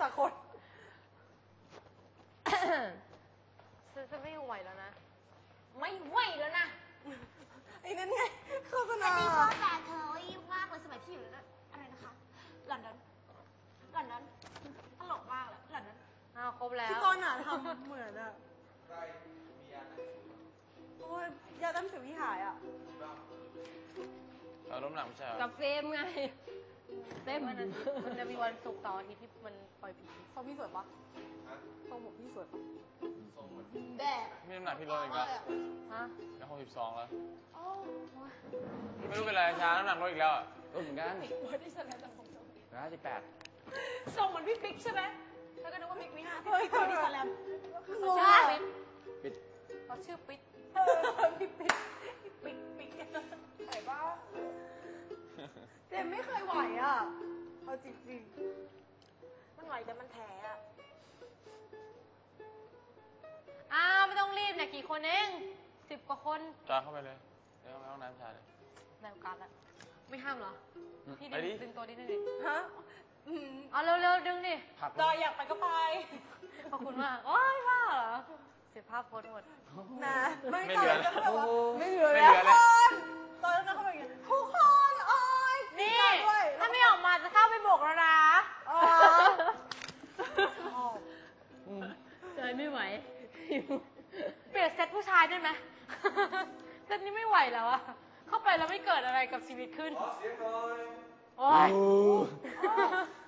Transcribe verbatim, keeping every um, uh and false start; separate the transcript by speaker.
Speaker 1: ค่ะคน
Speaker 2: จะไม่ไหวแล้วนะ
Speaker 1: ไม่ไหวแล้วนะไอ้นั่นไงโฆษณา
Speaker 3: อันนี้ก็แต่เธอยิ่งมากเลยสมัยที่อยู่อะไรนะคะลอนดอนลอนดอนตลกมากเลยลอนดอน
Speaker 2: อ้าวครบแล้ว
Speaker 1: พี่ต้นอ่ะทำเหมือนอ่ะใครมียาโอ้ยยาตั้มสิวที่หายอ่ะ
Speaker 4: เราล้มหนังไม่ใช่เหรอ
Speaker 2: กับเฟมไงเฟมมันมันจะมีวันศุกร์เสาร์อาทิตย์ที่มันปล่อยผี
Speaker 1: ทรงพี่สวยปะทรงผมพี่สวยปะ
Speaker 3: แดด
Speaker 4: มีน้ำหนักพี่ลดอีกแล้ว
Speaker 2: ฮะ
Speaker 4: แล้วหกสิบสองแล้ว
Speaker 3: โอ้
Speaker 4: ไม่รู้เป็นไรช้าน้ำหนักลดอีกแล้วอ่ะลดเหมือนกัน
Speaker 1: วันที่แสดงจากผมทรง
Speaker 4: ร้อยสิบแปด
Speaker 1: ทรงเหมือนพี่ปิ๊กใช่ไหมแล้วก็นึกว่าปิ๊กวิหารเฮ้ยคนที่แสดง
Speaker 2: เขาชื่อปิ๊ก
Speaker 4: ปิด
Speaker 2: เขาชื่อปิ๊ก
Speaker 1: เออพี่ปิ๊กปิ๊กปิ๊กไหวปะเจมไม่เคยไหวอ่ะเอาจริงๆมันไหวแต่มันแผลอ่ะ
Speaker 2: อ้าวไม่ต้องรีบเนี่ยกี่คนเองสิบกว่าคน
Speaker 4: จอยเข้าไปเลยเดี๋ยวไปห้องน้ำชายเลย
Speaker 2: ได้โอกาสแล้วไม่ห้ามเหรอพี่
Speaker 4: ไปดิ
Speaker 2: ดึงดึงตัวนิดนึงดิ
Speaker 1: ฮะอืม
Speaker 2: เอาเร็วๆดึงดิ
Speaker 4: พัก
Speaker 1: จอยอยากไปก็ไป
Speaker 2: ขอบคุณมากโอ้ยว่าเหรอเสียภาพโพสต์หมด
Speaker 1: นะไม่
Speaker 4: ไม่
Speaker 1: จ
Speaker 4: เห
Speaker 1: อย
Speaker 4: ลือ
Speaker 1: ก็แบบว่า
Speaker 4: ไม่เห
Speaker 1: ไม่
Speaker 4: ลื
Speaker 1: เหลื
Speaker 4: อ
Speaker 1: อ
Speaker 4: แล้
Speaker 1: แล้ว
Speaker 4: ว
Speaker 1: คนตอนนั้นเขาแบบอย่างเงี้ยทุกคนโอ้ย
Speaker 2: นี่
Speaker 1: ด้วย
Speaker 2: ถ้าไม่ออกมาจะเข้าไปโบกแล้วนะ
Speaker 1: อ๋อ
Speaker 2: เจยไม่ไหวเปลี่ยนเซตผู้ชายได้ไหมเซตนี้ไม่ไหวแล้วอะเข้าไปแล้วไม่เกิดอะไรกับชีวิตขึ้น
Speaker 1: ขอเสียงหน่อย
Speaker 2: โอ้ย